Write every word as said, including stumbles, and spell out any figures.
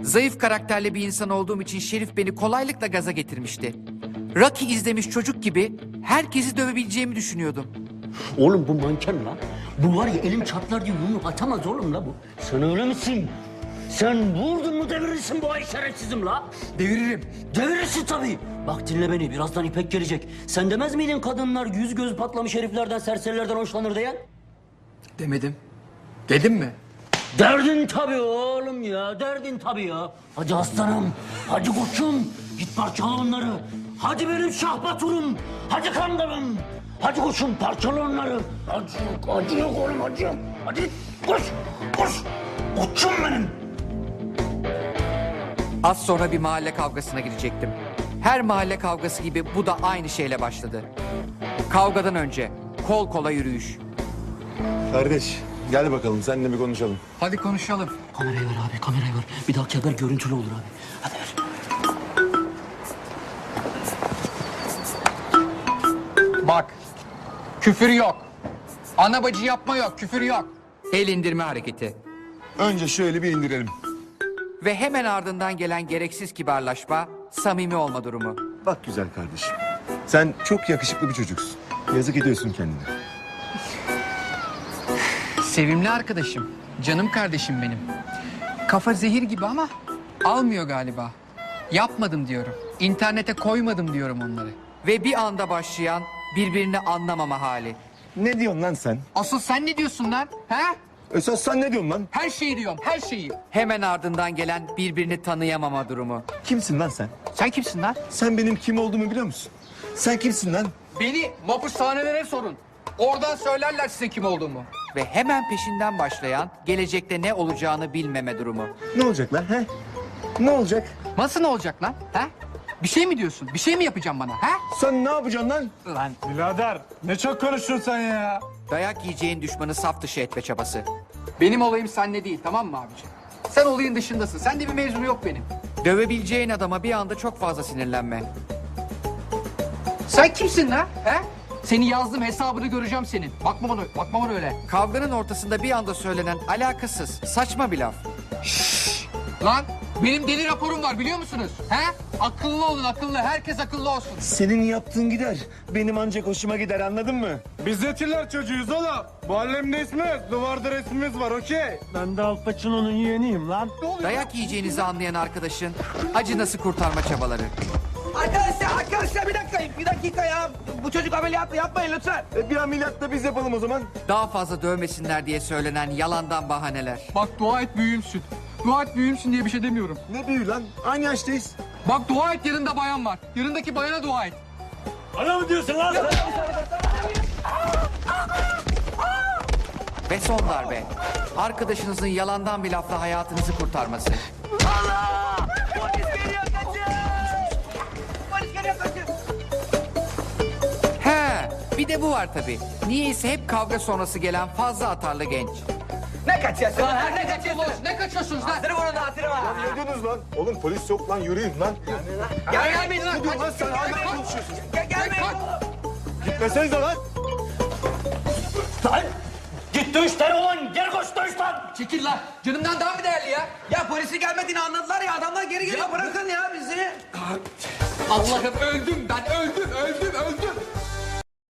Zayıf karakterli bir insan olduğum için Şerif beni kolaylıkla gaza getirmişti. Rocky izlemiş çocuk gibi herkesi dövebileceğimi düşünüyordum. Oğlum bu manken la. Bu var ya elim çatlar diye yumruk atamaz oğlum la bu. Sen öyle misin? Sen vurdun mu devirirsin bu ay şerefsizim la. Deviririm. Devirirsin tabii. Bak dinle beni, birazdan İpek gelecek. Sen demez miydin kadınlar yüz göz patlamış heriflerden, serserilerden hoşlanır diye? Demedim. Dedim mi? Derdin tabii oğlum ya, derdin tabii ya. Hadi aslanım, hadi koçum. Git parçala onları. Hadi benim Şahbaturum. Hadi kandarım. Hadi koçum parçala onları. Hadi yok, hadi yok oğlum, hadi yok. Hadi koş, koş. Koçum benim. Az sonra bir mahalle kavgasına girecektim. Her mahalle kavgası gibi bu da aynı şeyle başladı. Kavgadan önce kol kola yürüyüş. Kardeş gel bakalım seninle bir konuşalım. Hadi konuşalım. Kamerayı ver abi, kamerayı ver. Bir dahaki haber görüntülü olur abi. Hadi ver. Bak. Küfür yok. Ana bacı yapma yok. Küfür yok. El indirme hareketi. Önce şöyle bir indirelim. Ve hemen ardından gelen gereksiz kibarlaşma, samimi olma durumu. Bak güzel kardeşim. Sen çok yakışıklı bir çocuksun. Yazık ediyorsun kendine. Sevimli arkadaşım. Canım kardeşim benim. Kafa zehir gibi ama almıyor galiba. Yapmadım diyorum. İnternete koymadım diyorum onları. Ve bir anda başlayan birbirini anlamama hali. Ne diyorsun lan sen? Asıl sen ne diyorsun lan? He? Esas sen ne diyorsun lan? Her şeyi diyorum, her şeyi. Hemen ardından gelen birbirini tanıyamama durumu. Kimsin lan sen? Sen kimsin lan? Sen benim kim olduğumu biliyor musun? Sen kimsin lan? Beni mapushanelere sorun. Oradan söylerler size kim olduğumu. Ve hemen peşinden başlayan gelecekte ne olacağını bilmeme durumu. Ne olacak lan he? Ne olacak? Nasıl ne olacak lan? He? Bir şey mi diyorsun? Bir şey mi yapacağım bana? He? Sen ne yapacaksın lan? Lan Birader ne çok konuşuyorsun sen ya. Dayak yiyeceğin düşmanı saf dışı etme çabası. benim olayım seninle değil, tamam mı abiciğim? Sen olayın dışındasın. Sende bir mevzu yok benim. Dövebileceğin adama bir anda çok fazla sinirlenme. Sen kimsin lan? He? Seni yazdım, hesabını göreceğim senin. Bakma bana, bakma bana öyle. Kavganın ortasında bir anda söylenen alakasız, saçma bir laf. Lan benim deli raporum var biliyor musunuz? He? Akıllı olun, akıllı. Herkes akıllı olsun. Senin yaptığın gider. Benim ancak hoşuma gider, anladın mı? Biz Etiler çocuğuyuz oğlum. Bu alemde ismimiz, duvarda resmimiz var okey. Ben de Al Pacino'nun yeğeniyim lan. Ne oluyor? Dayak yiyeceğinizi anlayan arkadaşın acı nasıl kurtarma çabaları. Arkadaşlar, arkadaşlar bir dakika, bir dakika ya. Bu çocuk ameliyatlı yapmayın lütfen. E, bir ameliyat da biz yapalım o zaman. Daha fazla dövmesinler diye söylenen yalandan bahaneler. Bak dua et büyüğümsün. Dua et büyüğümsün diye bir şey demiyorum. Ne büyü lan? Aynı yaştayız. Bak dua et yanında bayan var. Yanındaki bayana dua et. Bana mı diyorsun lan? Ve son darbe. Arkadaşınızın yalandan bir lafla hayatınızı kurtarması. Allah! Polis geliyor, kaçın! Polis geliyor, kaçın! He, bir de bu var tabii. Niyeyse hep kavga sonrası gelen fazla atarlı genç. Ne kaçıyorsun lan? Ne kaçıyorsun? Ne kaçıyorsunuz lan? Hatırı bunun da hatırı var. Ne diyorsunuz lan? Oğlum polis yok lan, yürüyün lan. Gel gelmeyin lan. Ne diyorsun lan sen? Hala konuşuyorsun. Gel gelmeyin. Gitmesenize lan. Lan! Git dövüş lan ulan! Gel koş dövüş lan! Çekil lan. Canımdan daha mı değerli ya? Ya polisi gelmediğini anladılar ya. Adamlar geri geliyor. Bırakın ya bizi. Allah'ım öldüm ben öldüm öldüm öldüm.